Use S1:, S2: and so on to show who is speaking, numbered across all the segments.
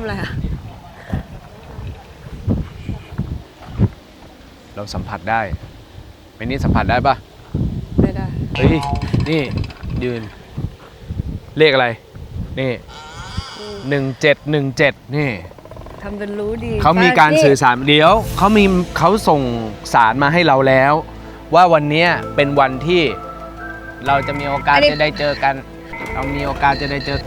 S1: อะไรอะ
S2: เราสัมผัสได้ไม่นี่สัมผัสได้ปะ
S1: ไม่ได้
S2: เฮ้ยนี่ยืนเลขอะไรนี่1717นี่
S1: ทำเป็นรู้ดี
S2: เขามีการสื่อสารเดี๋ยวเขาส่งสารมาให้เราแล้ว ว่าวันนี้เป็นวันที่เราจะมีโอกาสจะได้เจอกันเรามีโอกาสจะได้เจอ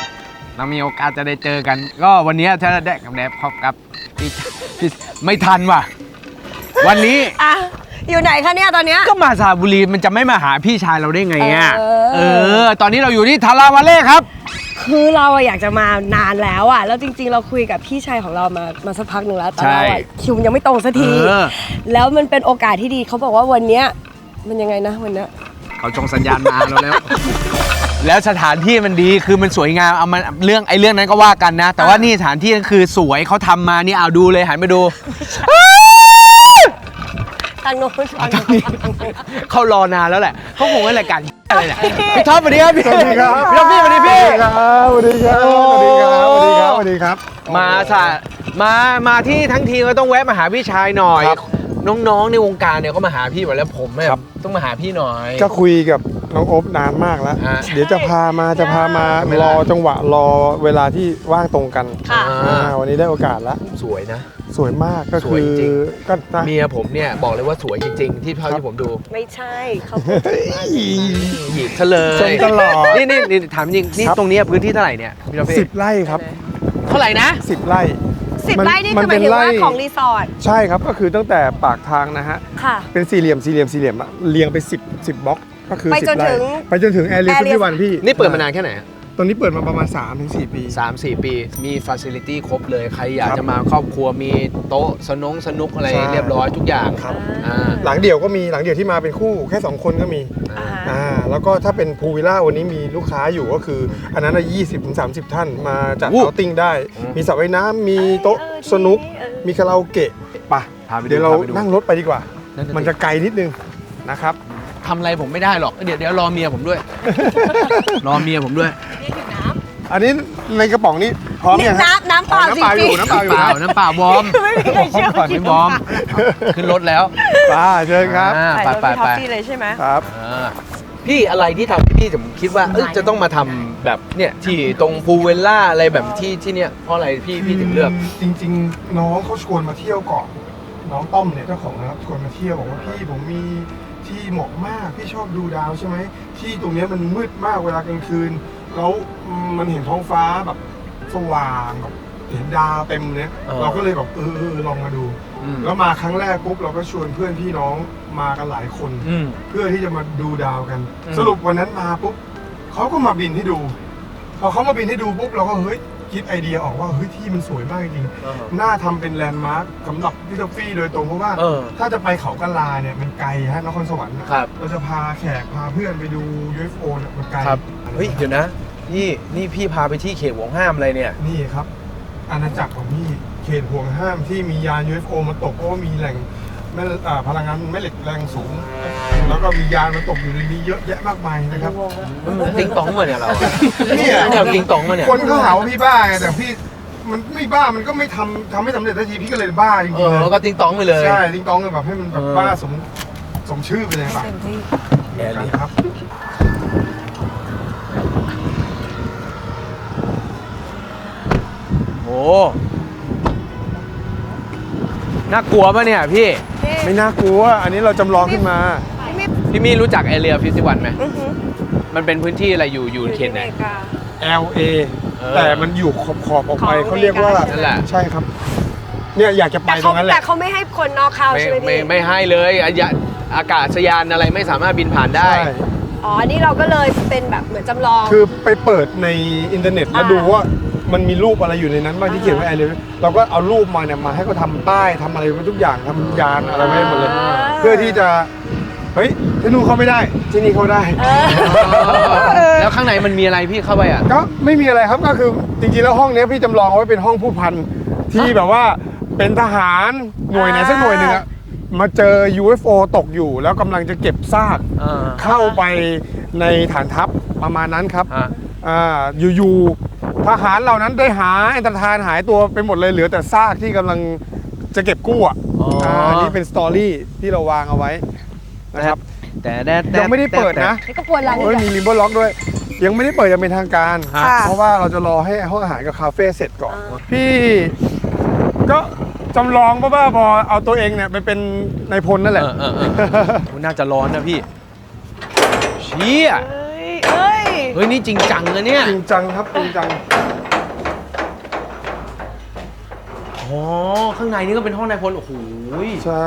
S2: กันก็วันนี้ถ้าได้กับแดบพบกับพี่ไม่ทันว่ะวันนี้
S1: อ่ะอยู่ไหนคะเนี่ยตอนเนี้ย
S2: ก็มาสระบุรีมันจะไม่มาหาพี่ชายเราได้ไงอ่ะ
S1: อ
S2: ตอนนี้เราอยู่ที่ทาราวาเล่ครับ
S1: คือเราอยากจะมานานแล้วอ่ะแล้วจริงๆเราคุยกับพี่ชายของเรามาสักพักหนึ่งแล้วแต่เราคิวยังไม่ตรงสักทีแล้วมันเป็นโอกาสที่ดีเขาบอกว่าวันเนี้ยมันยังไงนะวันเนี้ย
S2: เขาจงสัญญาณมาเราแล้วแล้วสถานที่มันดีคือมันสวยงามเอามันเรื่องนั้นก็ว่ากันนะแต่ว่านี่สถานที่คือสวยเขาทำมานี่เอาดูเลยหันไปดู
S1: ทางโน้น
S2: เขารอนานแล้วแหละเขาคงให้รายการอะไรเนี่ยพี่ท็อปสวัสดีครับพี่ท็อปสวัสดีครับพี่สวัสดีพี่
S3: สวัสดีครับสวัสดีครับสวัสดีครับสวัสดีครับ
S2: มาที่ทั้งทีก็ต้องแวะมาหาพี่ชายหน่อยน้องๆในวงการเนี่ยก็มาหาพี่หมดแล้วผมเนี่ยต้องมาหาพี่หน่อย
S3: ก็คุยกับน้องโอ๊บนานมากแล้วเดี๋ยวจะพามารอจังหวะรอเวลาที่ว่างตรงกันวันนี้ได้โอกาสแล้ว
S2: สวยนะ
S3: สวยมากก็คือ
S2: ก็เมียผมเนี่ยบอกเลยว่าสวยจริงๆที่เท่าที่ผมดู
S1: ไม่ใช่เขา
S2: หยิบซะเลย
S3: ตลอด
S2: นี่ถามจริงนี่ตรงนี้พื้นที่เท่าไหร่เนี่ย
S3: 10 ไร่ครับ
S2: เท่าไหร่นะ
S3: 10 ไร่
S1: 10 ไร่นี่คือหมายถึงว่าของรีสอร์ท
S3: ใช่ครับก็คือตั้งแต่ปากทางนะฮะเป็นสี่เหลี่ยมเรียงไป10 บล็อกก็คือ10 ไร่ไปจนถึงแอร์เรีย51พี่
S2: นี่เปิดมานานแค่ไหน
S3: ตอนนี้เปิดมาประมาณ 3-4 ปี
S2: 3-4 ปีมีฟาซิลิตี้ครบเลยใครอยากจะมาครอบครัวมีโต๊ะสนุกอะไรเรียบร้อยทุกอย่าง
S3: ครับหลังเดี่ยวก็มีหลังเดี่ยวที่มาเป็นคู่แค่2 คนก็มีแล้วก็ถ้าเป็นพูลวิลล่าวันนี้มีลูกค้าอยู่ก็คืออันนั้น 20-30 ท่านมาจัดเอาติ้งได้มีสระว่ายน้ำมีโต๊ะสนุกมีคาราโอเกะป่ะเดี๋ยวเรานั่งรถไปดีกว่ามันจะไกลนิดนึงนะครับ
S2: ทำอะไรผมไม่ได้หรอกเดี๋ยวรอเมียผมด้วยรอเมียผมด้วย
S3: อันนี้ในกระป๋องนี้พร้อมยัง
S1: น้ำเปล่าจริง
S2: ๆน้ำเปล่าวอร์ม
S1: ไม่มีใครเชื่อว่า
S2: วอร์มขึ้นรถแล้ว
S3: เชิญครับ
S1: ไปท็อปปี้เลยใช่ไหม
S3: ครับ
S2: พี่อะไรที่ทำให้พี่ผมคิดว่าจะต้องมาทำแบบเนี่ยที่ตรงพูลวิลล่าอะไรแบบที่เนี่ยเพราะอะไรพี่ถึงเลือก
S3: จริงๆน้องเขาชวนมาเที่ยวก่อนน้องต้อมเนี่ยเจ้าของนะครับชวนมาเที่ยวบอกว่าพี่ผมมีที่เหมาะมากพี่ชอบดูดาวใช่ไหมที่ตรงนี้มันมืดมากเวลากลางคืนแล้วมันเห็นท้องฟ้าแบบสว่างแบบเห็นดาวเต็มเนี่ยเราก็เลยแบบลองมาดูแล้วมาครั้งแรกปุ๊บเราก็ชวนเพื่อนพี่น้องมากันหลายคนเพื่อที่จะมาดูดาวกันสรุปวันนั้นมาปุ๊บเขาก็มาบินให้ดูพอเขามาบินให้ดูปุ๊บเราก็เฮ้ยคิดไอเดียออกว่าเฮ้ยที่มันสวยมากจริงน่าทำเป็นแลนด์มาร์คสำหรับพี่ท็อฟฟี่โดยตรงเพราะว่าถ้าจะไปเขากะลาเนี่ยมันไกลฮะนครสวรรค์เราจะพาแขกพาเพื่อนไปดู UFO เนี่ยมันไกล
S2: เฮ้ยเดี๋ยวนะนี่พี่พาไปที่เขตห่วงห้ามอะไรเนี่ย
S3: นี่ครับอาณาจักรของพี่เขตห่วงห้ามที่มียาน UFO มาตกเพราะว่ามีแหล่งพลังงานแม่เหล็กแรงสูงแล้วก็มียานมาตกอยู่ในนี้เยอะแยะมากมายนะครับ
S2: ติ๊งตองมาเนี่ยเรา
S3: เนี่ย
S2: เราติ๊งตองมาเนี่ย
S3: คนเขาหาว่าพี่บ้าไงแต่พี่มันไม่บ้ามันก็ไม่ทำไม่สำเร็จทันทีพี่ก็เลยบ้าจริงๆ
S2: แล้วก็ติ๊งตองไปเลย
S3: ใช่ติ๊งตองเลยแบบให้มันแบบบ้าสมชื่อไปเลยป่ะ
S2: แย่เลย
S3: ครับ
S2: โอ้น่ากลัวป่ะเนี่ยพี่
S3: ไม่น่ากลัวอันนี้เราจำลองขึ้นมา
S2: พี่มี่รู้จักแอเรีย51ไหมมันเป็นพื้นที่อะไรอยู่เขตไหน
S3: LA แต่มันอยู่ขอบออกไปเขาเรียกว่า
S2: นั่นแหละ
S3: ใช่ครับเนี่ยอยากจะไปตรงนั้นแหละ
S1: แต่เขาไม่ให้คนนอกเข้าใช่ไหมพี่
S2: ไม่ให้เลยอากาศยานอะไรไม่สามารถบินผ่านได้
S1: อ๋อนี่เราก็เลยเป็นแบบเหมือนจำลอง
S3: คือไปเปิดในอินเทอร์เน็ตแล้วดูว่ามันมีรูปอะไรอยู่ในนั้นบ้างที่เขียนว่าแอร์เรียเราก็เอารูปมาเนี่ยมาให้เขาทำป้ายทำอะไรทุกอย่างทำยานอะไรไว้หมดเลยเพื่อที่จะเฮ้ยที่นู่นเข้าไม่ได้ที่นี่เข้าได้
S2: แล้วข้างในมันมีอะไรพี่เข้าไปอ่ะ
S3: ก็ไม่มีอะไรครับก็คือจริงๆแล้วห้องนี้พี่จำลองเอาไว้เป็นห้องผู้พันที่แบบว่าเป็นทหารหน่วยไหนสักหน่วยหนึ่งอะมาเจอ UFO ตกอยู่แล้วกำลังจะเก็บซากเข้าไปในฐานทัพประมาณนั้นครับอยู่ทหารเหล่านั้นได้หายอันตรธานหายตัวไปหมดเลยเหลือแต่ซากที่กำลังจะเก็บกู้อ่ะอันนี้เป็นสตอรี่ที่เราวางเอาไว้นะครับ
S2: แต่
S3: ยังไม่ได้เปิดนะ
S1: นี่ก็ปวดหลัง
S3: โอ้ยมีริมเบอร์ล็อกด้วย ยังไม่ได้เปิดยังเป็นทางการ
S1: ค่ะ
S3: เพราะว่าเราจะรอให้ห้องอาหารกับคาเฟ่เสร็จก่อน พี่ก็จำลองบ้าๆบอเอาตัวเองเนี่ยไปเป็นนายพลนั่นแหละ
S2: น่าจะร้อนนะพี่เชี่ย
S1: เอ้ย
S2: เฮ้ยนี่จริงจังนะเนี่ย
S3: จริงจังครับจริงจัง
S2: อ๋อข้างในนี่ก็เป็นห้องนายพลโอ้โห
S3: ใช่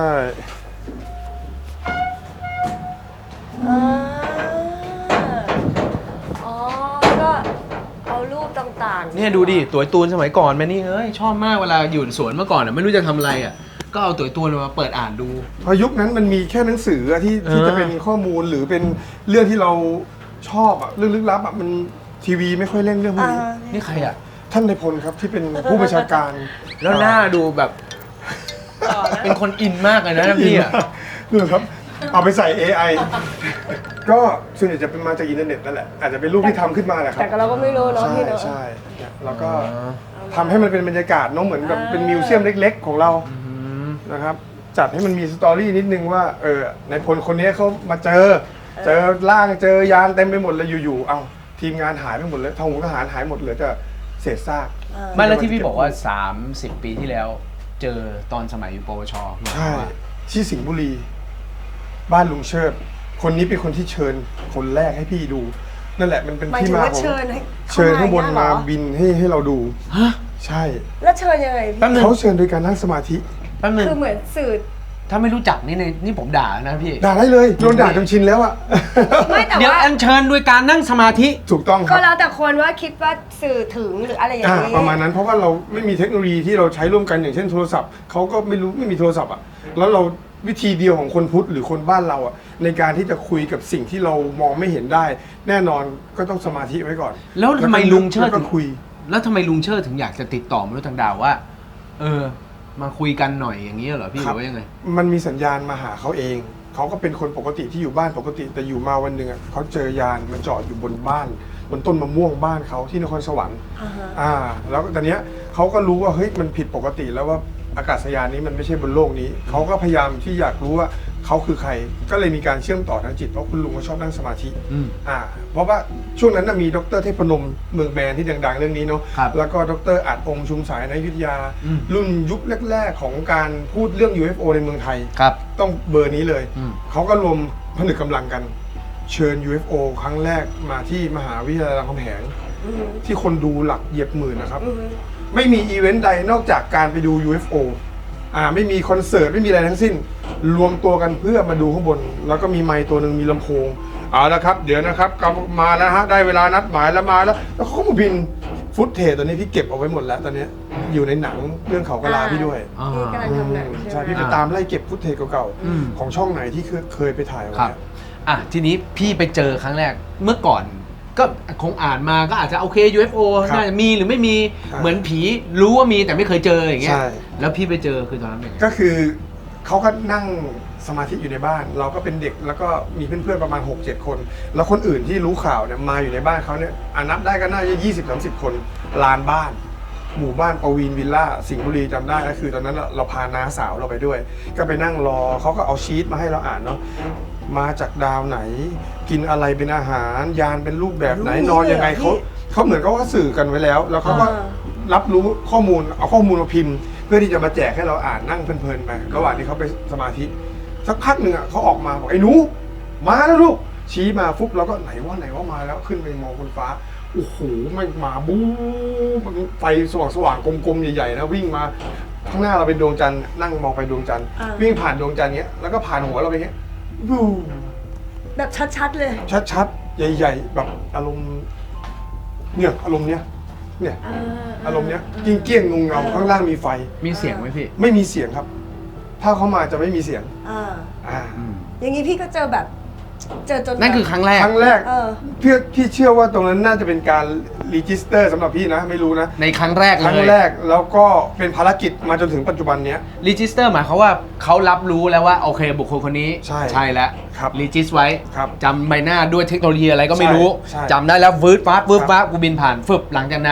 S1: อ๋อก็เอารูปต่างๆ
S2: เนี่ยดูดิตั๋วตูนสมัยก่อนแม่นี่เอ้ยชอบมากเวลาอยู่สวนเมื่อก่อนอ่ะไม่รู้จะทำอะไรอ่ะก็เอาตั๋วตูนมาเปิดอ่านดู
S3: พอยุคนั้นมันมีแค่หนังสืออะที่จะเป็นข้อมูลหรือเป็นเรื่องที่เราชอบอะเรื่องลึกลับอะมันทีวีไม่ค่อยเล่นเรื่องพวกนี้
S2: นี่ใครอ่ะ
S3: ท่านนายพลครับที่เป็นผู้บัญชาการ
S2: แล้วหน้าดูแบบเป็นคนอินมากเลยนะพี่อ่ะ
S3: นี่ครับ เอาไปใส่ AI ก็ส่วนใหญ่จะเป็นมาจากอินเทอร์เน็ตนั่นแหละอาจจะเป็นรูปที่ทำขึ้นมาแหละครั
S1: แต่เราก็ไม่รู้เนาะ
S3: ใช่
S1: พี่เนาะ
S3: ใช่เนี่ยแล้วก็ทำให้มันเป็นบรรยากาศเนาะเหมือนกับเป็นมิวเซียมเล็กๆของเรานะครับจัดให้มันมีสตอรี่นิดนึงว่าในพลคนนี้เขามาเจอร่างเจอยานเต็มไปหมดเลยอยู่ๆเอาทีมงานหายไปหมดเลยทหารหายหมดเหลือแต่เศษซาก
S2: ไม่แล้วที่พี่บอกว่า 30 ปีที่แล้ว เจอตอนสมัยอยู่ปวช
S3: ใช่ที่สิงห์บุรี บ้านลุงเชิด คนนี้เป็นคนที่เชิญคนแรกให้พี่ดู นั่นแหละมันเป็น
S1: หมาย
S3: ที่
S1: ถึง
S3: มา
S1: ว่า
S3: ของ
S1: เชิญให้
S3: เชิญข้างบน
S1: เข
S3: มา
S1: เหรอ
S3: บินให้เราดู
S2: ฮะ
S3: ใช่
S1: แล้วเชิญยังไงพี่
S2: แป๊บนึง
S3: เขาเชิญโดยการนั่งสมาธิ
S2: แป๊บนึง
S1: คือเหมือนสื่อ
S2: ถ้าไม่รู้จักนี่ผมด่านะพี่
S3: ด่าได้เลยโดนด่าจนชินแล้วอะ
S1: ไม่แต่
S2: เดี๋ยว
S1: ว่า
S2: อัญเชิญด้วยการนั่งสมาธิ
S3: ถูกต้องค
S1: ก็
S3: รับ
S1: แล้วแต่คนว่าคิดว่าสื่อถึงหรืออะไรอย่างนี้
S3: ประมาณนั้นเพราะว่าเราไม่มีเทคโนโลยีที่เราใช้ร่วมกันอย่างเช่นโทรศัพท์เขาก็ไม่มีโทรศัพท์อ่ะแล้วเราวิธีเดียวของคนพุทธหรือคนบ้านเราอ่ะในการที่จะคุยกับสิ่งที่เรามองไม่เห็นได้ แน่นอนก็ต้องสมาธิไว้ก่อน
S2: แล้วทำไมลุงเชิด
S3: แล้วก็คุย
S2: แล้วทำไมลุงเชิดถึงอยากจะติดต่อมนุษย์ต่างดาวว่า มาคุยกันหน่อยอย่างนี้เหรอพี่หรือว่ายังไง
S3: มันมีสัญญาณมาหาเขาเองเขาก็เป็นคนปกติที่อยู่บ้านปกติแต่อยู่มาวันหนึ่งอ่ะเขาเจอยานมาจอดอยู่บนบ้านบนต้นมะม่วงบ้านเขาที่นครสวรรค์ แล้วตอนเนี้ยเขาก็รู้ว่าเฮ้ยมันผิดปกติแล้วว่าอากาศยานนี้มันไม่ใช่บนโลกนี้เขาก็พยายามที่อยากรู้ว่าเขาคือใครก็เลยมีการเชื่อมต่อทางจิตเพราะคุณลุงเขาชอบนั่งสมาธิ เพราะว่าช่วงนั้นมีดรเทพนมเมืองแมนที่ดังๆเรื่องนี้เนาะ
S2: ครับ
S3: แล้วก็ดรอาจองค์ชุมสายในอยุธยา รุ่นยุคแรกๆของการพูดเรื่อง UFO ในเมืองไทย
S2: ครับ
S3: ต้องเบอร์นี้เลย
S2: อืม
S3: เขาก็รวมผนึกกำลังกัน เชิญ UFO ครั้งแรกมาที่มหาวิทยาลัยรามคำแหงที่คนดูหลักเหยียบหมื่นนะครับ ไม่มีอีเวนต์ใดนอกจากการไปดู UFO ไม่มีคอนเสิร์ตไม่มีอะไรทั้งสิ้น รวมตัวกันเพื่อมาดูข้างบน แล้วก็มีไมค์ตัวหนึ่งมีลำโพงเอาละครับ เดี๋ยวนะครับกลับมาแล้วฮะได้เวลานัดหมายแล้วมาแล้วเขาก็มาบินฟุตเทจตัวนี้พี่เก็บเอาไว้หมดแล้วตอนนี้อยู่ในหนังเรื่องเขากะลาพี่ด้วย
S1: ที่กำลังทำหนัง
S3: ใช่
S1: ใช่
S3: พี่
S1: ไห
S3: ไป
S1: ม
S3: ตามไล่เก็บฟุตเทจเก่า
S2: อืม
S3: ๆของช่องไหนที่เคยไปถ่ายไว้
S2: ครับทีนี้พี่ไปเจอครั้งแรกเมื่อก่อน ก็คงอ่านมาก็อาจจะโอเค UFO น่าจะมีหรือไม่มีเหมือนผีรู้ว่ามีแต่ไม่เคยเจออย่างเงี้ยแล้วพี่ไปเจอคือตอนนั้นเป็นไง
S3: ก็คือเขาก็นั่งสมาธิอยู่ในบ้าน เราก็เป็นเด็กแล้วก็มีเพื่อนๆประมาณ 6-7 คน แล้วคนอื่นที่รู้ข่าวเนี่ยมาอยู่ในบ้านเขาเนี่ยนับได้ก็น่าจะ20-30 คนลานบ้าน หมู่บ้านปวีณวิลล่าสิงห์บุรีจำได้ก็คือตอนนั้นเราพาน้าสาวเราไปด้วย ก็ไปนั่งรอเขาก็เอาชีตมาให้เราอ่านเนาะมาจากดาวไหน กินอะไรเป็นอาหารยานเป็นรูปแบบไหนนอนยังไงเขาเหมือนเขาก็สื่อกันไว้แล้ว แล้วเขาก็รับรู้ข้อมูลเอาข้อมูลมาพิมพ์ เพื่อที่จะมาแจกให้เราอ่านนั่งเพลินๆไประหว่างที่เขาไปสมาธิสักพักหนึ่งเขาออกมาบอกไอ้หนูมาแล้วลูกชี้มาฟุบเราก็ไหนว่ามาแล้วขึ้นไปมองบนฟ้าโอ้โหไม่มาบู๊มันไฟสว่างๆกลมๆใหญ่ๆนะวิ่งมาข้างหน้าเราเป็นดวงจันทร์นั่งมองไปดวงจันทร์วิ่งผ่านดวงจันทร์เงี้ยแล้วก็ผ่านหัวเราไปเงี้ยบู๊
S1: แบบชัดๆเลย
S3: ชัดๆใหญ่ๆแบบอารมณ์เนี่ยอารมณ์เนี้ยเนี่ยอารมณ์เนี้ยเกี้ยงๆงงเงาข้างล่างมีไฟ
S2: มีเสียงไหมพี่
S3: ไม่มีเสียงครับ ถ้าเขามาจะไม่มีเสียง
S1: อย่างนี้พี่ก็เจอแบบเจอจน
S2: นั่นคือครั้งแรก
S3: ครั้งแรก
S1: เออ
S3: พี่เชื่อว่าตรงนั้นน่าจะเป็นการรีจิสเตอร์สำหรับพี่นะไม่รู้นะ
S2: ในครั้งแรกเลย
S3: ครั้งแรกแล้วก็เป็นภารกิจมาจนถึงปัจจุบันเนี้ย
S2: รีจิสเตอร์หมายความว่าเขารับรู้แล้วว่าโอเคบุคคลคนนี้
S3: ใช่
S2: แล้ว
S3: ครับ
S2: รีจิสไว้
S3: ครับ
S2: จำใบหน้าด้วยเทคโนโลยีอะไรก็ไม่รู้
S3: ใช่
S2: จำได้แล้ววืดฟ้ากูบินผ่านฟึบหลังจากนั้น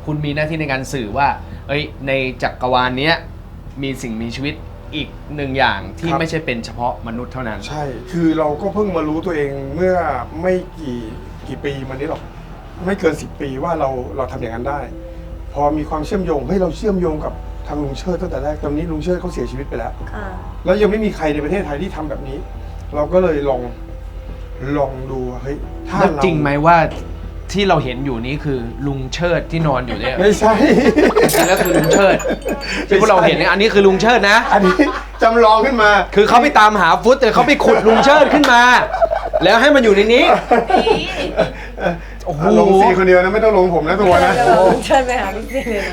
S2: คุณมีหน้าที่ในการสื่อว่าเอ้ยในจักรวาลเนี้ยมีสิ่งมีชีวิตอีกหนึ่งอย่างที่ไม่ใช่เป็นเฉพาะมนุษย์เท่านั้น
S3: ใช่ คือเราก็เพิ่งมารู้ตัวเองเมื่อไม่กี่ปีมานี้หรอกไม่เกิน10 ปีว่าเราทำอย่างนั้นได้ พอมีความเชื่อมโยงเราเชื่อมโยงกับทางลุงเชิดตั้งแต่แรกตอนนี้ลุงเชิดเขาเสียชีวิตไปแล้ว
S1: ค่ะ
S3: แล้วยังไม่มีใครในประเทศไทยที่ทำแบบนี้ เราก็เลยลองดูเฮ้ยถ้า
S2: แล้ว
S3: เรา
S2: จริงไหมว่าที่เราเห็นอยู่นี้คือลุงเชิดที่นอนอยู่เนี่ย
S3: ไม่ใช่
S2: จริงแล้วคือลุงเชิดที่พวกเราเห็นเนี่ยอันนี้คือลุงเชิดนะ
S3: อันนี้จำลองขึ้นมา
S2: คือเขาไปตามหาฟุตแต่เขาไปขุดลุงเชิดขึ้นมา แล้วให้มันอยู่ในนี้ โอ้โห
S3: ลงซีคนเดียวนะไม่ต้องลงผมนะตัวนะ
S1: เชิญไปหาพี่ซีเลยนะ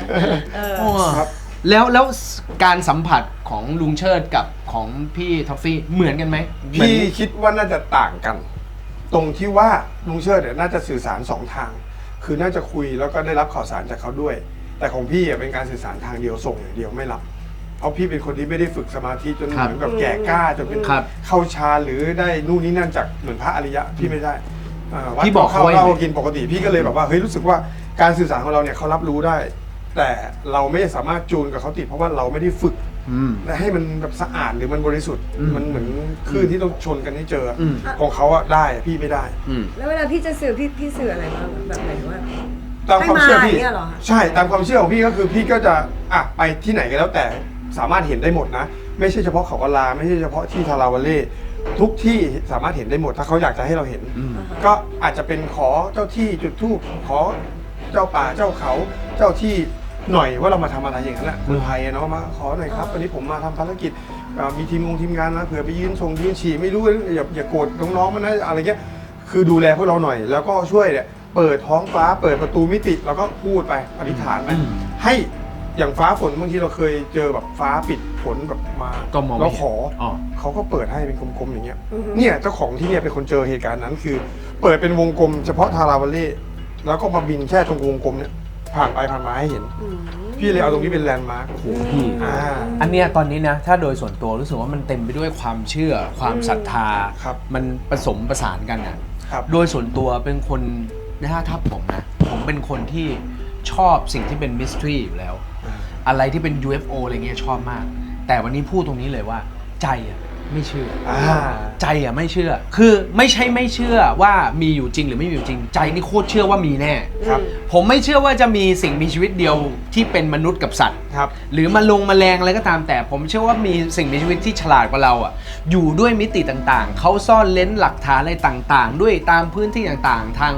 S3: ครับ
S2: แล้วการสัมผัสของลุงเชิดกับของพี่ท็อฟฟี่เหมือนกันไหม
S3: พี่คิดว่าน่าจะต่างกัน ตรงที่ว่าลุงเชิดเนี่ยน่าจะสื่อสาร2 ทาง คือน่าจะคุยแล้วก็ได้รับข่าวสารจากเขาด้วย แต่ของพี่เป็นการสื่อสารทางเดียวส่งอย่างเดียวไม่รับ เพราะพี่เป็นคนที่ไม่ได้ฝึกสมาธิจนเหมือนกับแก่กล้าจนเป็นเข้าฌานหรือได้นู่นนี่นั่นจากเหมือนพระอริยะพี่ไม่ได้วัด
S2: พี่บอก
S3: เข้าเรากินปกติพี่ก็เลยแบบว่าเฮ้ยรู้สึกว่าการสื่อสารของเราเนี่ยเขารับรู้ได้ แต่เราไม่สามารถจูนกับเขาติดเพราะว่าเราไม่ได้ฝึก และให้มันแบบสะอาดหรือมันบริสุทธิ์มันเหมือนคลื่นที่ต้องชนกันให้เจออของเขาอะได้พี่ไม่ได้
S1: แล้วเวลาพี่จะสื่อพี่สื่ออะไรบ้างแบบไหนว่า
S3: ตามความเชื่อพี่
S1: ให้มาอย่างเงี้ยเหรอคะ
S3: ใช่ตามความเชื่อของพี่ก็คือพี่ก็จะไปที่ไหนก็แล้วแต่สามารถเห็นได้หมดนะ ไม่ใช่เฉพาะเขากะลาไม่ใช่เฉพาะที่ทาราวาเล่ทุกที่สามารถเห็นได้หมดถ้าเขาอยากจะให้เราเห็น ก็อาจจะเป็นขอเจ้าที่จุดธูปขอเจ้าป่าเจ้าเขาเจ้าที่หน่อยว่าเรามาทำอะไรอย่างนั้นแหละเมืองไทยเนาะมาขอหน่อยครับวันนี้ผมมาทำภารกิจมีทีมงานนะเผื่อไปยืนฉี่ไม่รู้อย่าโกรธน้องๆมันนะอะไรเงี้ยคือดูแลพวกเราหน่อย แล้วก็ช่วยเนี่ยเปิดท้องฟ้าเปิดประตูมิติแล้วก็พูดไปอธิษฐานไปให้อย่างฟ้าฝนบางทีเราเคยเจอแบบฟ้าปิดฝนแบบมา
S2: ก็มองไม่
S3: แล้ว
S2: เห็น
S3: ขอ
S2: อ๋อ
S3: เขาก็เปิดให้เป็นกลมๆอย่างเงี้ยเนี่ยเจ้าของที่เนี่ยเป็นคนเจอเหตุการณ์นั้นคือ เปิดเป็นวงกลมเฉพาะทาราวาเล่แล้วก็มาบินแค่ตรงวงกลมเนี่ยผ่านไปผ่านมาให้เห็น พี่เลยเอาตรงนี้เป็นแลนด์มาร์ค
S2: พี่ อันเนี้ยตอนนี้นะถ้าโดยส่วนตัวรู้สึกว่ามันเต็มไปด้วยความเชื่อความศรัทธา
S3: ครับ
S2: มันผสมประสานกันนะครับ โดยส่วนตัวเป็นคนถ้าผมนะผมเป็นคนที่ชอบสิ่งที่เป็นมิสทรีอยู่แล้ว อะไรที่เป็น UFO อะไรเงี้ยชอบมาก แต่วันนี้พูดตรงนี้เลยว่าใจอะไม่เชื่อใจอะไม่เชื่อ คือไม่ใช่ไม่เชื่อว่ามีอยู่จริงหรือไม่มีอยู่จริง ใจนี่โคตรเชื่อว่ามีแน่
S3: ครับ
S2: ผมไม่เชื่อว่าจะมีสิ่งมีชีวิตเดียวที่เป็นมนุษย์กับสัตว์
S3: ครับ
S2: หรือแมลงอะไรก็ตามแต่ผมเชื่อว่ามีสิ่งมีชีวิตที่ฉลาดกว่าเราอ่ะอยู่ด้วยมิติต่างๆเขาซ่อนเล้นหลักฐานอะไรต่างๆ ด้วยตามพื้นที่ต่างๆทาง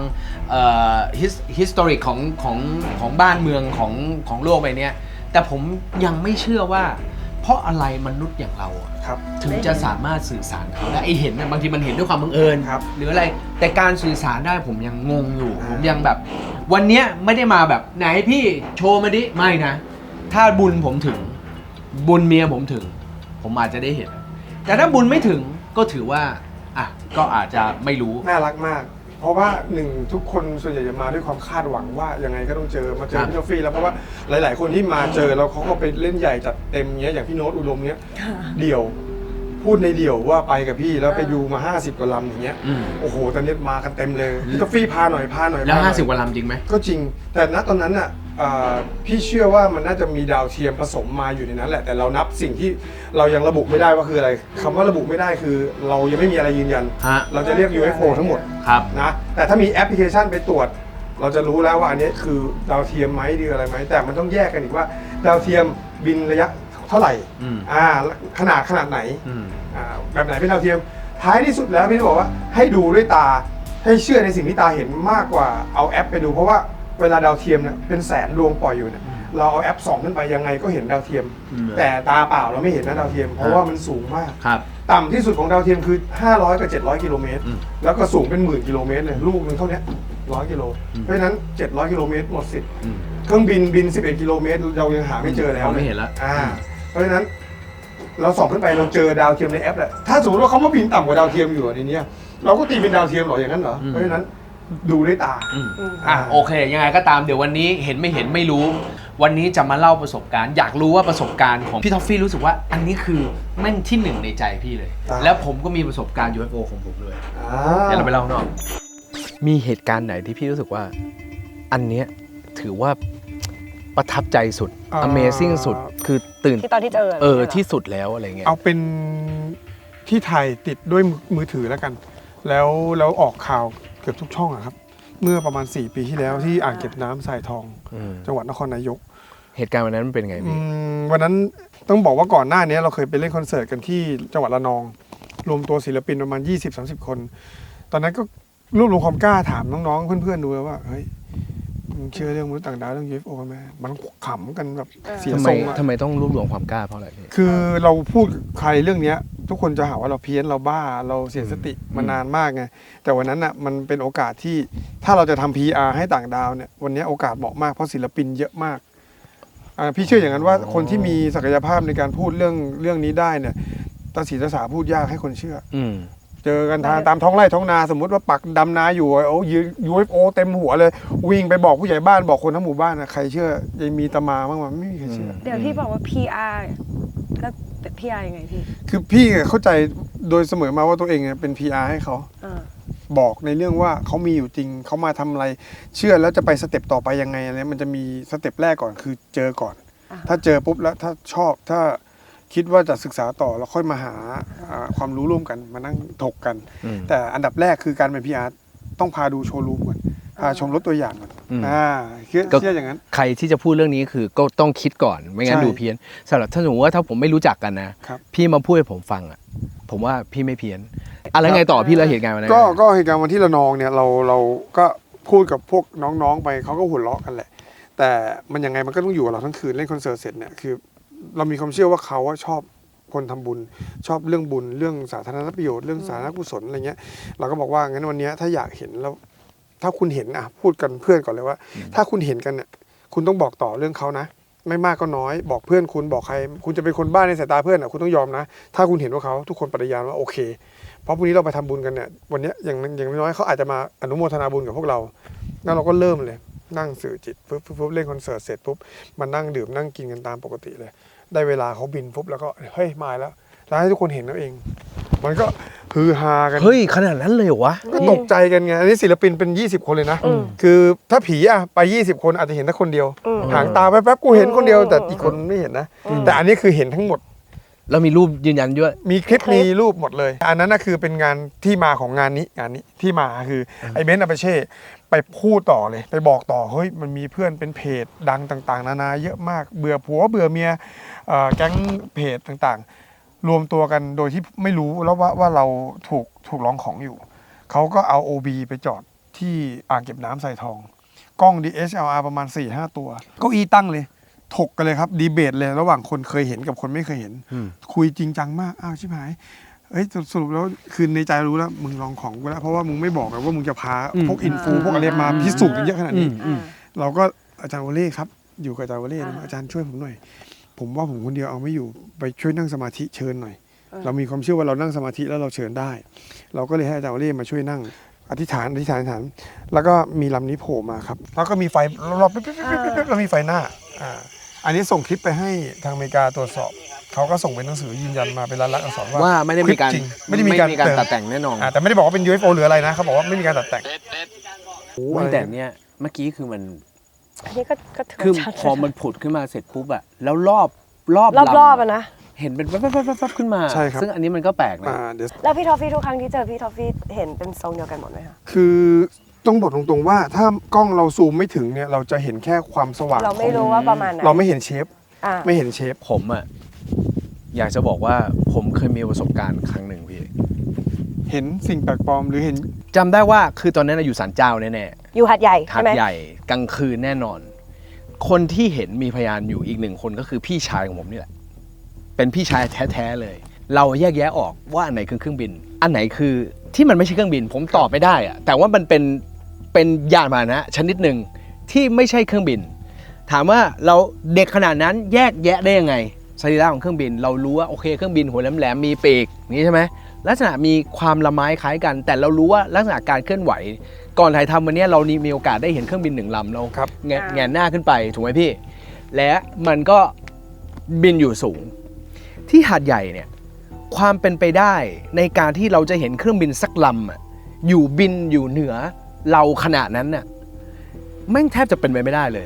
S2: history ของบ้านเมืองของโลกใบนี้แต่ผมยังไม่เชื่อว่าเพราะอะไรมนุษย์อย่างเราอะ
S3: ครับ
S2: ถึงจะสามารถสื่อสารเขาได้ไอเห็นนะบางทีมันเห็นด้วยความบังเอิญ
S3: ครับ
S2: หรืออะไรแต่การสื่อสารได้ผมยังงงอยู่ ผมยังแบบ วันเนี้ยไม่ได้มาแบบไหนพี่โชว์มาดิไม่นะ ถ้าบุญผมถึงบุญเมียผมถึง ผมอาจจะได้เห็น แต่ถ้าบุญไม่ถึงก็ถือว่าอ่ะก็อาจจะไม่รู้
S3: น่ารักมาก เพราะว่าทุกคนส่วนใหญ่จะมาด้วยความคาดหวังว่ายังไงก็ต้องเจอมาเจอพี่ท็อฟฟี่แล้วเพราะว่าหลาย ๆ คนที่มาเจอแล้วเขาก็ไปเล่นใหญ่จัดเต็มเงี้ยอย่างพี่โน้ตอุดมเนี้ยเดี่ยวพูดในเดี่ยวว่าไปกับพี่แล้วไปดูมา50 กว่าลำอย่างเงี้ย
S2: อืม
S3: โอ้โหตอนนี้มากันเต็มเลยพี่ท็อฟฟี่พาหน่อย
S2: แล้ว
S3: พาหน่อย
S2: 50 กว่าลำจริงไหม
S3: ก็จริง แต่ณตอนนั้นน่ะพี่เชื่อว่ามันน่าจะมีดาวเทียมผสมมาอยู่ในนั้นแหละแต่เรานับสิ่งที่เรายังระบุไม่ได้ว่าคืออะไรคำว่าระบุไม่ได้คือ เรายังไม่มีอะไรยืนยัน
S2: ฮะ
S3: เราจะเรียก UFO ทั้งหมด
S2: ครับ
S3: นะแต่ถ้ามีแอปพลิเคชันไปตรวจ เราจะรู้แล้วว่าอันนี้คือดาวเทียมไหมหรืออะไรไหมแต่มันต้องแยกกันอีกว่า ดาวเทียมบินระยะเท่าไหร่ ขนาดไหน แบบไหนเป็นดาวเทียมท้ายที่สุดแล้วพี่บอกว่าให้ดูด้วยตาให้เชื่อในสิ่งที่ตาเห็นมากกว่าเอาแอปไปดูเพราะว่าเวลาดาวเทียมเนี่ยเป็นแสนดวงปล่อยอยู่เนี่ยเราเอาแอปส่องขึ้นไปยังไงก็เห็นดาวเทียม แต่ตาเปล่าเราไม่เห็นนะดาวเทียมเพราะว่ามันสูงมาก
S2: ครับ
S3: ต่ำที่สุดของดาวเทียมคือ500 กับ 700 กิโลเมตรแล้วก็สูงเป็น10,000 กิโลเมตรเลยลูกนึงเท่านี้100 กิโลเพราะฉะนั้น700 กิโลเมตรหมดสิทธิ์เครื่องบิน11 กิโลเมตรเรายังหาไม่เจอแล้ว
S2: ไม่เห็นแล้ว
S3: เพราะฉะนั้นเราส่องขึ้นไปเราเจอดาวเทียมในแอปแหละถ้าสมมติว่าเขามาบินต่ำกว่าดาวเทียมอยู่ในนี้เราก็ตีเป็นดาวเทียมหรออย่างนั้นเหรอเพราะฉะนั้นดูด้วยตา
S2: โอเค ยังไงก็ตามเดี๋ยววันนี้เห็นไม่เห็นไม่รู้ วันนี้จะมาเล่าประสบการณ์ อยากรู้ว่าประสบการณ์ของพี่ท็อฟฟี่รู้สึกว่าอันนี้คือแม่งที่หนึ่งในใจพี่เลย แล้วผมก็มีประสบการณ์ UFO ของผมเลยเดี๋ยวเราไปเล่าข้างนอกมีเหตุการณ์ไหนที่พี่รู้สึกว่า อันเนี้ยถือว่าประทับใจสุด Amazing สุดคือตื่น
S1: ที่ตอนที่เจอ
S2: ที่สุดแล้วอะไรเงี้ย
S3: เอาเป็นที่ถ่ายติดด้วยมือถือแล้วกัน แล้วออกข่าวเกือบทุกช่องอะครับ เมื่อประมาณ4 ปีที่แล้วที่อ่างเก็บน้ำทรายทอง จังหวัดนครนายก
S2: เหตุการณ์วันนั้นมันเป็นไงพี่
S3: วันนั้นต้องบอกว่าก่อนหน้านี้เราเคยไปเล่นคอนเสิร์ตกันที่จังหวัดระนอง รวมตัวศิลปินประมาณ 20-30 คน ตอนนั้นก็รวบรวมความกล้าถามน้องๆเพื่อนๆดูแล้วว่าเฮ้ยมึงเชื่อเรื่องมนุษย์ต่างดาวเรื่อง UFO กันไหมมันขำกันแบบเสียทรงอะ
S2: ทำไมต้องรวบรวมความกล้าเพราะอะไรพี่
S3: คือเราพูดใครเรื่องเนี้ยทุกคนจะหาว่าเราเพี้ยนเราบ้าเราเสียสติมานานมากไงแต่วันนั้นอ่ะมันเป็นโอกาสที่ถ้าเราจะทำ PR ให้ต่างดาวเนี่ยวันนี้โอกาสเหมาะมากเพราะศิลปินเยอะมากพี่เชื่ออย่างนั้นว่าคนที่มีศักยภาพในการพูดเรื่องนี้ได้เนี่ยตาสีตาสาพูดยากให้คนเชื่อเจอกันตามท้องไร่ท้องนาสมมติว่าปักดำนาอยู่โอ้ยืน UFO เต็มหัวเลยวิ่งไปบอกผู้ใหญ่บ้านบอกคนทั้งหมู่บ้านนะใครเชื่อยังมีตามาบ้างมั้ยไม่มีใครเชื่อ
S1: เดี๋ยวพี่บอกว่า PR แล้ว PR ยังไงพี่
S3: คือพี่เข้าใจโดยเสมอมาว่าตัวเองเป็น PR ให้เขาบอกในเรื่องว่าเขามีอยู่จริงเขามาทำอะไรเชื่อแล้วจะไปสเต็ปต่อไปยังไงอะไรมันจะมีสเต็ปแรกก่อนคือเจอก่อนถ้าเจอปุ๊บแล้วถ้าชอบถ้าคิดว่าจะศึกษาต่อแล้วค่อยมาหาความรู้ร่วมกันมานั่งถกกันแต่อันดับแรกคือการเป็น PR ต้องพาดูโชว์รูมก่อนพาชมรถตัวอย่างก่อนเชื่ออย่างนั้น
S2: ใครที่จะพูดเรื่องนี้คือก็ต้องคิดก่อนไม่งั้นดูเพี้ยนสำหรับถ้าสมมติว่าถ้าผมไม่รู้จักกันนะพี่มาพูดให้ผมฟังอ่ะผมว่าพี่ไม่เพี้ยนอะไรไงต่อพี่แล้วเหตุการณ์วันนั้น
S3: ก็เหตุการณ์วันที่ระนองเนี่ยเราก็พูดกับพวกน้องๆไปเขาก็หัวเราะกันแหละแต่มันยังไงมันก็ต้องอยู่กับเราทั้งคืนเล่นคอนเสิร์ตเสร็จเนี่ยคือเรามีความเชื่อว่าเขาชอบคนทำบุญชอบเรื่องบุญเรื่องสาธารณประโยชน์เรื่องสาธารณกุศลอะไรเงี้ยเราก็บอกว่างั้นวันนี้ถ้าอยากเห็นแล้วถ้าคุณเห็นพูดกันเพื่อนก่อนเลยว่าถ้าคุณเห็นกันเนี่ยคุณต้องบอกต่อเรื่องเขานะไม่มากก็น้อยบอกเพื่อนคุณบอกใครคุณจะเป็นคนบ้าในสายตาเพื่อนคุณต้องยอมนะถ้าคุณเห็นว่าเขาทุกคนปฏิญาณว่าโอเคเพราะพรุ่งนี้เราไปทำบุญกันเนี่ยวันนี้อย่างน้อยเขาอาจจะมาอนุโมทนาบุญกับพวกเราแล้วเราก็เริ่มเลยนั่งสื่อจิตปุ๊บเล่นคอนเสิร์ตเสร็จปุ๊บมานั่งดื่มนั่งกินกันตามปกติเลยได้เวลาเขาบินปุ๊บแล้วก็เฮ้ยมาแล้วให้ทุกคนเห็นแล้วเองมันก็ฮือฮากัน
S2: เฮ้ยขนาดนั้นเลยเหรอวะ
S3: ก็ตกใจกันไงอันนี้ศิลปินเป็น20 คนเลยนะคือถ้าผีไป20 คนอาจจะเห็นแค่คนเดียวหางตาแป๊บๆกูเห็นคนเดียวแต่อีกคนไม่เห็นนะแต่อันนี้คือเห็นทั้งหมด
S2: แล้วมีรูปยืนยันด้วย
S3: มีคลิปมีรูปหมดเลยอันนั้นน่ะคือเป็นงานที่มาของงานนี้ที่มาคือไอ้เบนซ์อาเปเช่ไปพูดต่อเลยไปบอกต่อเฮ้ยมันมีเพื่อนเป็นเพจดังต่างๆนานาเยอะมากเบื่อผัวเบื่อเมียแก๊งเพจต่างๆรวมตัวกันโดยที่ไม่รู้แล้วว่าเราถูกร้องของอยู่เขาก็เอา OB ไปจอดที่อ่างเก็บน้ำทรายทองกล้อง DSLR ประมาณ 4-5 ตัวเก้าอี้ตั้งเลยถกกันเลยครับดีเบตเลยระหว่างคนเคยเห็นกับคนไม่เคยเห็นคุยจริงจังมากอ้าวชิบหายสรุปแล้วคือในใจรู้แล้วมึงลองของกูแล้วเพราะว่ามึงไม่บอกว่ามึงจะพาพวกอินฟูพวกอะไรมาพิสูจน์กันเยอะขนาดนี้เราก็อาจารย์วเล่ครับอยู่กับอาจารย์วเล่อาจารย์ช่วยผมหน่อยผมว่าผมคนเดียวเอาไม่อยู่ไปช่วยนั่งสมาธิเชิญหน่อยเรามีความเชื่อว่าเรานั่งสมาธิแล้วเราเชิญได้เราก็เลยให้อาจารย์วเล่มาช่วยนั่งอธิษฐานแล้วก็มีลำนี้โผล่มาครับแล้วก็มีไฟรอบๆแล้วมีไฟหน้าอันนี้ส่งคลิปไปให้ทางอเมริกาตรวจสอบเขาก็ส่งเป็นหนังสือยืนยันมาเป็นลายลักษณ์อักษรว่า
S2: ไม่ได้มีการตัดแต่งแน่นอน
S3: แต่ไม่ได้บอกว่าเป็น UFO หรืออะไรนะเขาบอกว่าไม่มีการตัดแต่ง
S2: แต่เนี้ยเมื่อกี้คือมัน
S1: อันนี้ก็
S2: คือพอมันผุดขึ้นมาเสร็จปุ๊บอะแล้วรอบ
S1: อะนะ
S2: เห็นเป็นแป๊บขึ้นมาซึ่งอันนี้มันก็แปลกนะ
S1: แล้วพี่ทอฟฟี่ทุกครั้งที่เจอพี่ทอฟฟี่เห็นเป็นทรงเดียวกันหมดไหมคะ
S3: คือต้องบอกตรงๆว่าถ้ากล้องเราซูมไม่ถึงเนี่ยเราจะเห็นแค่ความสว่าง
S1: เราไม่รู้ว่าประมาณไหน
S3: เราไม่เห็นเชฟไม่เห็นเชฟ
S2: ผมอะอยากจะบอกว่าผมเคยมีประสบการณ์ครั้งหนึ่งพี่
S3: เห็นสิ่งแปลกปลอมหรือเห็น
S2: จำได้ว่าคือตอนนั้นอยู่ศาลเจ้าแน่
S1: ๆอยู่หาดใหญ่ใช่ไหม
S2: หาดใหญ่กลางคืนแน่นอนคนที่เห็นมีพยานอยู่อีก1 คนก็คือพี่ชายของผมนี่แหละเป็นพี่ชายแท้ๆเลยเราแยกแยะออกว่าอันไหนคือเครื่องบินอันไหนคือที่มันไม่ใช่เครื่องบินผมตอบไม่ได้อะแต่ว่ามันเป็นยานพาหนะชนิดหนึ่งที่ไม่ใช่เครื่องบินถามว่าเราเด็กขนาดนั้นแยกแยะได้ยังไงสรีระของเครื่องบินเรารู้ว่าโอเคเครื่องบินหัวแหลมๆมีปีกนี่ใช่ไหมลักษณะมีความละไม้คล้ายกันแต่เรารู้ว่าลักษณะการเคลื่อนไหวก่อนถ่ายทำวันนี้เรามีโอกาสได้เห็นเครื่องบิน1 ลำเราแงนหน้าขึ้นไปถูกไหมพี่และมันก็บินอยู่สูงที่หาดใหญ่เนี่ยความเป็นไปได้ในการที่เราจะเห็นเครื่องบินสักลำอยู่บินอยู่เหนือเราขนาดนั้นน่ะแม่งแทบจะเป็นไปไม่ได้เลยเพ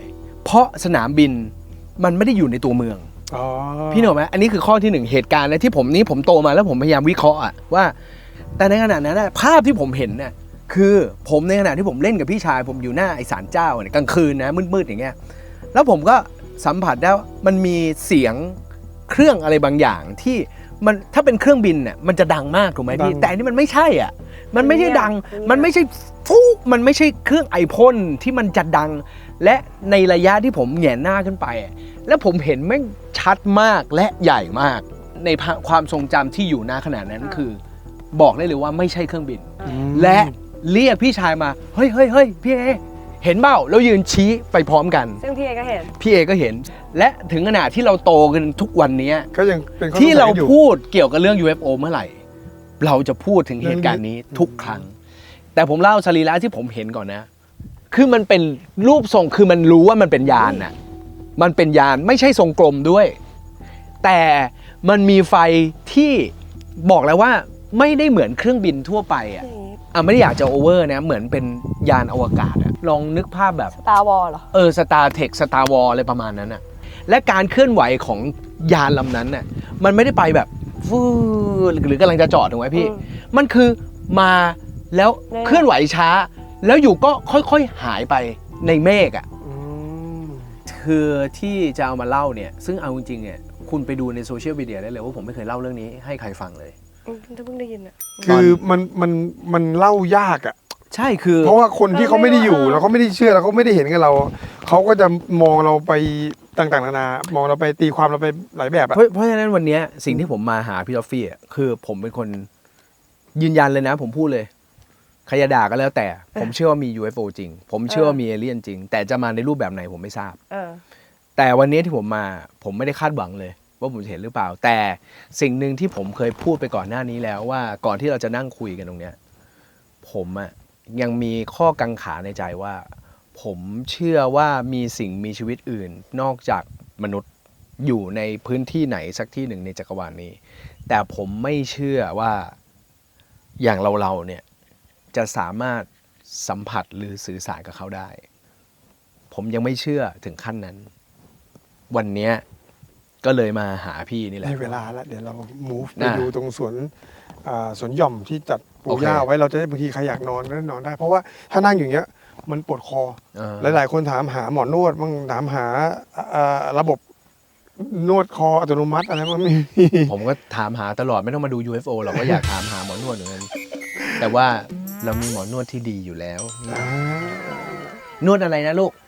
S4: เพราะสนามบินมันไม่ได้อยู่ในตัวเมือง
S3: อ๋อ
S4: พี่นึกออกไหมอันนี้คือข้อที่หนึ่งเหตุการณ์และที่ผมโตมาแล้วผมพยายามวิเคราะห์อะว่า แต่ในขณะนั้นภาพที่ผมเห็นเนี่ยคือผมในขณะที่ผมเล่นกับพี่ชายผมอยู่หน้าไอศาลเจ้าเนี่ยกลางคืนนะมืดๆอย่างเงี้ยแล้วผมก็สัมผัสได้ว่ามันมีเสียงเครื่องอะไรบางอย่างที่มันถ้าเป็นเครื่องบินเนี่ยมันจะดังมากถูกไหมพี่แต่อันนี้มันไม่ใช่อ่ะมันไม่ใช่ดังมันไม่ใช่ฟูมันไม่ใช่เครื่องไอพ่นที่มันจะดังและในระยะที่ผมแหงนหน้าขึ้นไปแล้วผมเห็นแม่งชัดมากและใหญ่มากในความทรงจำที่อยู่หน้าขนาดนั้นคือ บอกได้เลยว่าไม่ใช่เครื่องบิน และเรียกพี่ชายมาเฮ้ยพี่เอเห็นเปล่าแล้วยืนชี้ไปพร้อมกัน
S1: ซึ่งพี่เอก็เห็น
S4: พี่เอก็เห็น และถึงขนาดที่เราโตกันทุกวันนี้
S3: ก็ยังเป็นข้อสงสัย
S4: ที่เรา
S3: อยู่
S4: พูดเกี่ยวกับเรื่อง UFO เมื่อไหร่ เราจะพูดถึงเหตุการณ์นี้ทุกครั้ง แต่ผมเล่าสรีระที่ผมเห็นก่อนนะ คือมันเป็นรูปทรงคือมันรู้ว่ามันเป็นยานน่ะมันเป็นยานไม่ใช่ทรงกลมด้วย แต่มันมีไฟที่บอกแล้วว่าไม่ได้เหมือนเครื่องบินทั่วไปอ่ะไม่ได้อยากจะโอเวอร์นะเหมือนเป็นยานอวกาศอะลองนึกภาพแบบ
S1: Star Wars เหรอ
S4: สตาร์เทคสตาร์วอลอะไรประมาณนั้นน่ะและการเคลื่อนไหวของยานลำนั้นน่ะมันไม่ได้ไปแบบฟูหรือกำลังจะจอดถูกไหมพี่ มันคือมาแล้วเคลื่อนไหวช้า แล้วอยู่ก็ค่อยๆหายไปในเมฆอ่ะคือที่จะเอามาเล่าเนี่ยซึ่งเอาจริงๆเนี่ยคุณไปดูในโซเชียลมีเดียได้เลยว่าผมไม่เคยเล่าเรื่องนี้ให้ใครฟังเลย
S1: เพิ่งได้ยินอ่ะ
S3: คือมันเล่ายากอ่ะ
S4: ใช่คือ
S3: เพราะว่าคนที่เขาไม่ได้อยู่แล้วเขาไม่ได้เชื่อแล้วเขาไม่ได้เห็นกับเราเขาก็จะมองเราไปต่างๆนานามองเราไปตีความเราไปหลายแบบอ่ะ
S4: เพราะฉะนั้นวันนี้สิ่งที่ผมมาหาพี่ทอฟฟี่คือผมเป็นคนยืนยันเลยนะ ผมพูดเลยใครจะด่าก็แล้วแต่ ผมเชื่อว่ามี UFO จริง ผมเชื่อว่ามีเอเลี่ยนจริง แต่จะมาในรูปแบบไหนผมไม่ทราบ แต่วันนี้ที่ผมมาผมไม่ได้คาดหวังเลย ว่าผมจะเห็นหรือเปล่า แต่สิ่งหนึ่งที่ผมเคยพูดไปก่อนหน้านี้แล้วว่าก่อนที่เราจะนั่งคุยกันตรงเนี้ยผมยังมีข้อกังขาในใจว่า ผมเชื่อว่ามีสิ่งมีชีวิตอื่น นอกจากมนุษย์อยู่ในพื้นที่ไหนสักที่หนึ่งในจักรวาลนี้ แต่ผมไม่เชื่อว่าอย่างเราเนี่ยจะสามารถสัมผัสหรือสื่อสารกับเขาได้ ผมยังไม่เชื่อถึงขั้นนั้น วันเนี้ยก็เลยมาหาพี่นี่แหละ
S3: ในเวลาแล้วเดี๋ยวเรา move ไป
S4: น่ะ
S3: ดูตรงสวนหย่อมที่จัดปูหญ้า
S4: โอเค
S3: ไว้เราจะได้บางทีใครอยากนอนก็นอนได้ เพราะว่าถ้านั่งอย่างเงี้ยมันปวดคอ หลายๆคนถามหาหมอนวดบ้างถามหาระบบนวดคออัตโนมัติอะไรบ้างไม่มี
S4: ผมก็ถามหาตลอดไม่ต้องมาดู UFO หรอกก็อยากถามหาหมอนวดเหมือนกันแต่ว่าเรามีหมอนวดที่ดีอยู่แล้ว นวดอะไรนะลูก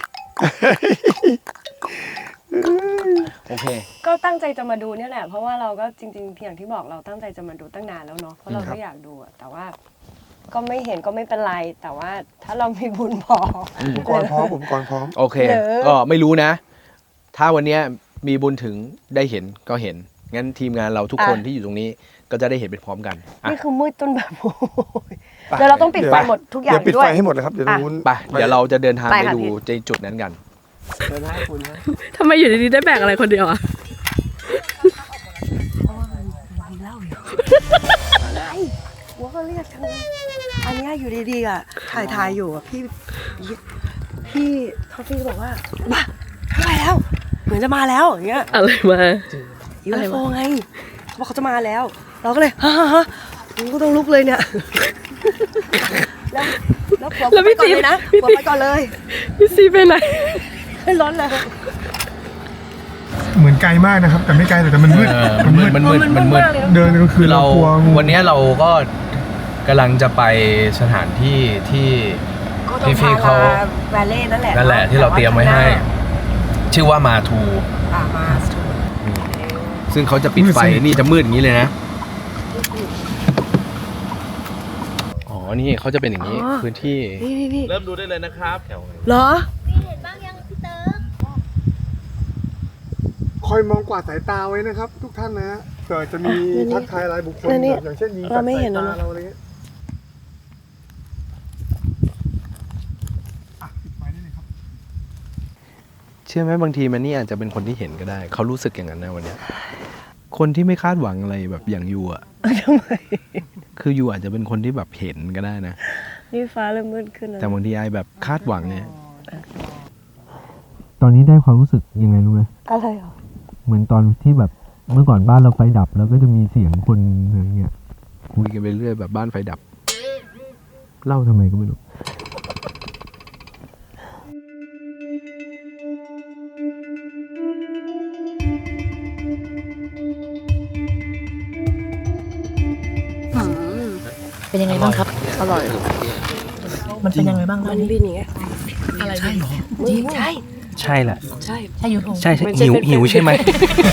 S4: โอเค
S1: ก็ตั้งใจจะมาดูเนี่ยแหละเพราะว่าเราก็จริงๆอย่างที่บอกเราตั้งใจจะมาดูตั้งนานแล้วเนาะเพราะเราก็อยากดูอะแต่ว่าก็ไม่เห็นก็ไม่เป็นไร แต่ว่าถ้าเรามีบุญพอ
S3: อุปกรณ์พร้อม
S4: โอเค
S1: หรือ
S4: ก็ไม่รู้นะ ถ้าวันเนี้ยมีบุญถึงได้เห็นก็เห็น งั้นทีมงานเราทุกคนที่อยู่ตรงนี้ก็จะได้เห็นไปพร้อมกันอ่ะ
S1: นี่คือมืดจนแบบโอ้ยเดี๋ยวเราต้องปิดไฟหมดทุกอย่าง
S3: เดี๋ยวปิด
S1: ด้ว
S3: ไฟ
S1: ย
S3: ให้หมดเลยครับเดี๋ยวตรงนู้น
S4: ไปเดี๋ยวเราจะเดินทาง
S1: ไป
S4: ไป
S1: ค่ะ
S4: ดู
S1: พี่
S4: ในจุดนั้นกัน
S5: ทำไมอยู่ดีๆได้แบกอะไรคนเดียวอ่ะ
S1: มีเหล้าอยู่อะไรหัวก็เรียกจังอันเนี้ยอยู่ดีๆอ่ะถ่ายอยู่อ่ะพี่ท็อฟฟี่ก็บอกว่ามาแล้วเหมือนจะมาแล้วอย่างเงี้ย
S5: อะไรมา
S1: UFO ไงเขาบอกเขาจะมาแล้ว เราก็เลยฮะกูก็ต้องลุกเลยเนี่ยแล้วผัวไปก่อนเลยนะผัวไปก่อนเลย
S5: พี่ซีไปไหน
S1: ไม่ร้อนเลย
S3: เหมือนไกลมากนะครับแต่ไม่ไกลแต่มันมืด
S4: มันมืด
S3: เดินก็คือ
S4: เรา
S3: เรากลัวงู
S4: วันนี้เราก็กำลังจะไปสถานที่ที่ พี่เขา
S1: แวลเล่นั่นแหละ
S4: นั่นแหละที่เราเตรียมไว้ให้ ชื่อว่ามาทู
S1: มาทู
S4: ซึ่งเขาจะปิดไฟนี่จะมืดอย่างนี้เลยนะ อ๋อ นี่เขาจะเป็นอย่างนี้พื้นที่
S1: นี่
S4: เริ่มดูได้เลยนะครับ
S1: เหรอ
S3: คอยมองกวาดสายตาไว้นะครับ ทุกท่านนะฮะเผื่อจะมีทักทายรายบุคคล
S1: แล้วนี่
S3: อย่างเช่นยิง
S1: เราไม่เห็น
S3: สาย
S1: แล้ว
S3: ตา
S1: เนอะ
S3: เราอะไรเงี้ยอ่ะปิดไฟได้เลยครับ
S4: เชื่อไหมบางทีมันนี่อาจจะเป็นคนที่เห็นก็ได้ เขารู้สึกอย่างนั้นนะวันเนี้ยคนที่ไม่คาดหวังอะไรแบบอย่างยูอ่ะ
S1: ทำไม
S4: คือยูอาจจะเป็นคนที่แบบเห็นก็ได้นะ
S1: นี่ฟ้าเริ่มมืดขึ้นแล้ว
S4: แต่บางทีไอแบบคาดหวังเนี่ย
S6: ตอนนี้ได้ความรู้สึกยังไงรู้ไหม
S1: อะไรเหรอ
S6: เหมือนตอนที่แบบเมื่อก่อนบ้านเราไฟดับ แล้วก็จะมีเสียงคนอะไรเงี้ย
S4: คุยกันไปเรื่อยแบบบ้านไฟดับ
S6: เล่าทำไมก็ไม่รู้
S5: เป็นยังไงบ้างครับ อร่อย มันเป็นยังไงบ้าง
S1: มัน
S5: นี่
S1: บินอย่างเงี้ย
S5: อะไรใช่หรอ
S1: จริงใช่
S6: ใช่แหละ
S1: ใช่
S5: ใช่ยูโท
S6: ใช่ใช่
S1: มันจะ
S6: หิว
S1: เป็น
S6: หิวใช่ไหม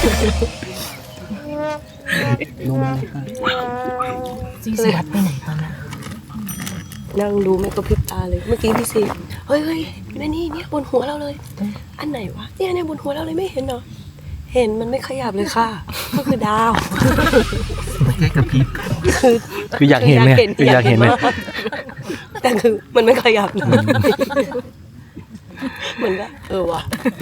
S5: ซีซีวัดไปไหนตอนนั้น
S1: นั่งดูไม่กระพริบตาเลย เมื่อกี้พี่ซีเฮ้ยนี่เนี่ยบนหัวเราเลย อันไหนวะเนี่ยบนหัวเราเลยไม่เห็นเหรอเห็นมันไม่ขยับเลยค่ะ ก็คือดาว
S6: แค่กระพริบคืออยากเห็นเลยคืออยากเห็นเลย
S1: มากแต่คือมันไม่ขยับเลยเหมือนก็ว่ะ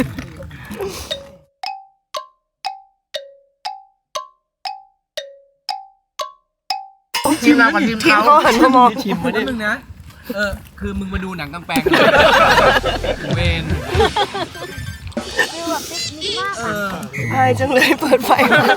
S2: ทีมเรากับทีม
S1: ทีม
S2: เขา
S1: เขาหันมามอง
S4: ชิมมาดิมึงนะ คือมึงมาดูหนังกำแพงเวน
S1: ใช่จังเลยเปิดไฟ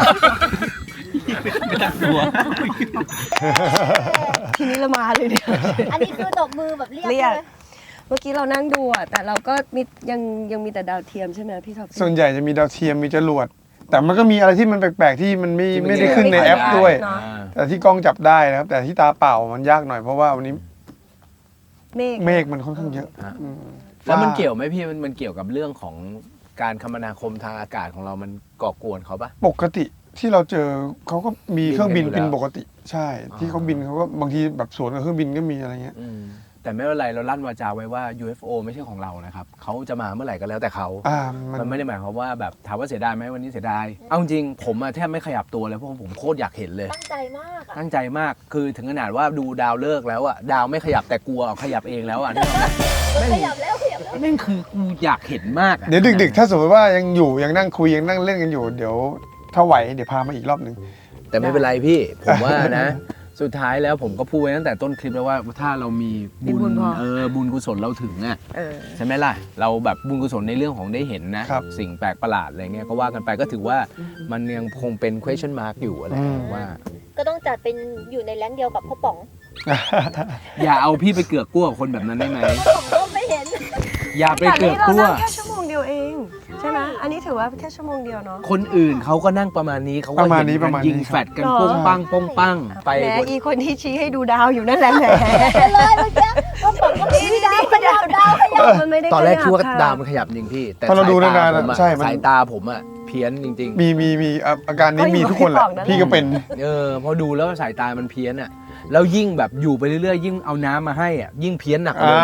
S1: ทีนี้เรามาเลยเนี่ย
S7: อันนี้คือตบมือแบบเรียก
S1: เรียก
S7: ใช่ไหม
S1: เมื่อกี้เรานั่งดูอ่ะแต่เราก็มียังมีแต่ดาวเทียมใช่ไหมพี่ท็อป
S3: ส่วนใหญ่จะมีดาวเทียมมีจรวด แต่มันก็มีอะไรที่มันแปลกๆที่มันไม่ได้ขึ้นในแอปด้วย แต่ที่กล้องจับได้นะครับ แต่ที่ตาเปล่ามันยากหน่อยเพราะว่าวันนี้
S1: เมฆ
S3: มันค่อนข้างเยอะอืม
S4: แล้วมันเกี่ยวไหมพี่มันเกี่ยวกับเรื่องของการคมนาคมทางอากาศของเรามันก่อกวนเขาปะ
S3: ปกติที่เราเจอเขาก็มีเครื่องบิน
S4: บินกันอยู่แล้ว
S3: บินปกติ ใช่ ที่เขาบินเขาก็บางทีแบบสวนกับเครื่องบินก็มีอะไรเงี้ย
S4: แต่ไม่เป็นไรเราลั่นวาจาไว้ว่า UFO ไม่ใช่ของเรานะครับเขาจะมาเมื่อไหร่ก็แล้วแต่เขา มันไม่ได้หมายความว่าแบบถามว่าเสียดายไหมวันนี้เสียดาย เอาจริงผมอะแทบไม่ขยับตัวเลยเพราะผมโคตรอยากเห็นเลย
S7: ตั้งใจมากอ่ะ
S4: ตั้งใจมากคือถึงขนาดว่าดูดาวเลิกแล้วอะดาวไม่ขยับแต่กลัวขยับเองแล้วอะนึกออกไหม
S7: ขยับแล้วขยับแล้ว
S4: นั่นคือกูอยากเห็นมากอะ
S3: เดี๋ยวดึกๆ ถ้าสมมติว่ายังอยู่ยังนั่งคุยยังนั่งเล่นกันอยู่ เดี๋ยวถ้าไหวเดี๋ยวพามาอีกรอบหนึ่ง
S4: แต่ไม่เป็นไรพี่ผมว่านะ สุดท้ายแล้วผมก็พูดไว้ตั้งแต่ต้นคลิปแล้วว่าถ้าเรามีบุญบุญกุศลเราถึงอะ ใช่ไหมล่ะ เราแบบบุญกุศลในเรื่องของได้เห็นนะ สิ่งแปลกประหลาดอะไรเงี้ยก็ว่ากันไปก็ถือว่ามันยังคงเป็น question mark อยู่อะไรว่า
S7: ก็ต้องจัดเป็นอยู่ในแรงเดียวกับพ่อป๋อง
S4: อย่าเอาพี่ไปเกือกกลัวกับคนแบบนั้นได้ไหม
S7: ผมก็ไม่เห็น
S4: อย่าไป
S1: แต่
S4: เกือก
S1: นี่เรา
S4: กลัว
S1: นั่งแค่ชั่วโมงเดียวเองใช่ไหมอันนี้ถือว่าแค่ชั่วโมงเดียวเนาะ
S4: คนอื่นเขาก็นั่งประมาณนี้เขาก็
S3: ประมาณ
S4: เห็น
S3: นี้
S4: กันยิง
S3: ครับ
S4: แฟดกันโป้งปังโป้งปังไป
S1: แหมอีคนที่ชี้ให้ดูดาวอยู่นั่นแหละแหม
S7: เลยเมื่อกี้พ่อป๋องก็มีดาวขยับดาวขยับ
S1: มันไม่ได้
S4: ตอนแรกคิดว่า
S1: ขยับ
S4: ดาวมันขยับจริงพี่ แต่
S3: พอเราดู
S4: สายต
S3: นานๆ
S4: ผมอะ
S3: ใช่มัน
S4: สายตาผมอะเพี้ยนจริง
S3: มีอาการนี้มีทุกคนแหละพี่ก็เป็น
S4: ๆพอดูแล้วสายตามันเพี้ยนอะแล้วยิ่งแบบอยู่ไปเรื่อยๆยิ่งเอาน้ำมาให้อะยิ่งเพี้ยนหนักเลย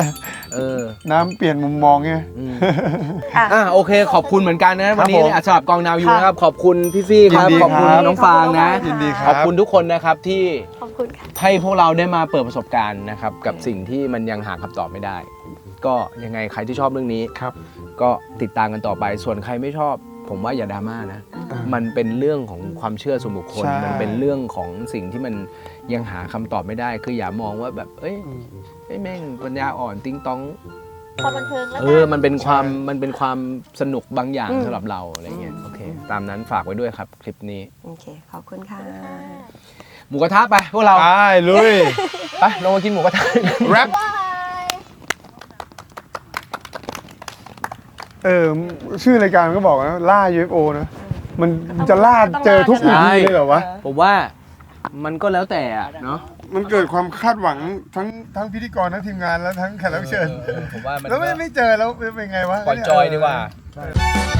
S3: น้ำเปลี่ยนมุมมองไง
S4: โอเคขอบคุณเหมือนกันนะวันนี้
S3: ผม
S4: สำหรับกองนาวยูนะครับขอบคุณพี่ฟี่ครับ
S3: ยินดี
S4: ขอบคุณ
S3: ครับ
S4: น้องฟางนะ
S3: ยินดีค
S4: ข
S3: รั
S4: อบบ คุณทุกคนนะครับที่
S1: ขอบคุณค่ะ
S4: ให้พวกเราได้มาเปิดประสบการณ์นะครับกับสิ่งที่มันยังหาคำตอบไม่ได้ ก็ยังไงใครที่ชอบเรื่องนี้
S3: ครับ
S4: ก็ติดตามกันต่อไปส่วนใครไม่ชอบ ผมว่าอย่าดราม่านะ มันเป็นเรื่องของความเชื่อส่วนบุคคล
S3: ใช่
S4: มันเป็นเรื่องของสิ่งที่มันยังหาคำตอบไม่ได้ คืออย่ามองว่าแบบเอ้ยแม่งปัญญาอ่อนติ้งต้อง
S7: ความบันเทิงแล้ว
S4: มันเป็นความสนุกบางอย่างสำหรับเราอะไรเงี้ยโอเค ตามนั้นฝากไว้ด้วยครับคลิปนี้
S1: โอเค ขอบคุณค่ะ
S4: หมูกระทะไปพวกเรา
S3: ไปลุย
S4: ไปลงมากินหมูกระทะ
S3: แรปชื่อรายการมันก็บอกนะล่า UFO นะมันจะล่าเจอทุก
S4: ใช่
S3: ที่เลยเหรอวะ
S4: ผมว่ามันก็แล้วแต่อะเนาะ
S3: มันเกิดความคาดหวังทั้งพิธีกรทั้งทีมงานแล้วทั้งแขกรับเชิญ
S4: ผมว่ามัน
S3: แล้วไม่เจอแล้วเป็นไงวะ
S4: ปล่อยจอยดีกว่า
S3: ใช่